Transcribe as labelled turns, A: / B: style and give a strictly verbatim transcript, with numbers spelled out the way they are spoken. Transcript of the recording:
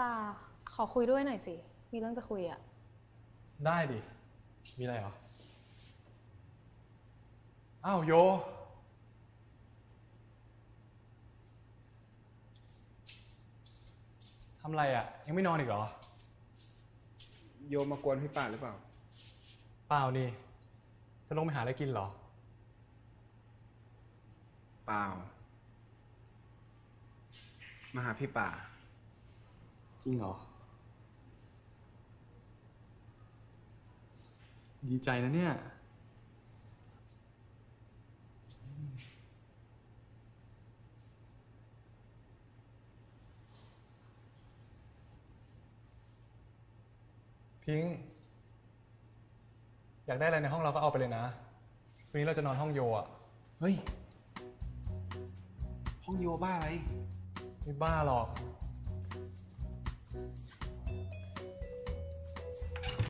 A: ป่าขอคุยด้วยหน่อยสิ มีเรื่องจะคุยอะ
B: ได้ดิ มีอะไรเหรอ อ้าวโยทำไรอ่ะ ยังไม่นอนอีกเหรอ
C: โยมมากวนพี่ป่าหรือเปล่า
B: เปล่านี่ จะลงไปหาอะไรกินเหรอ
C: เปล่ามาหาพี่ป่า
B: จริงเหรอ ดีใจนะเนี่ย พิงค์อยากได้อะไรในห้องเราก็เอาไปเลยนะวันนี้เราจะนอนห้องโยอ่ะ
C: เฮ้ยห้องโยบ้าอะไร
B: ไม่บ้าหรอก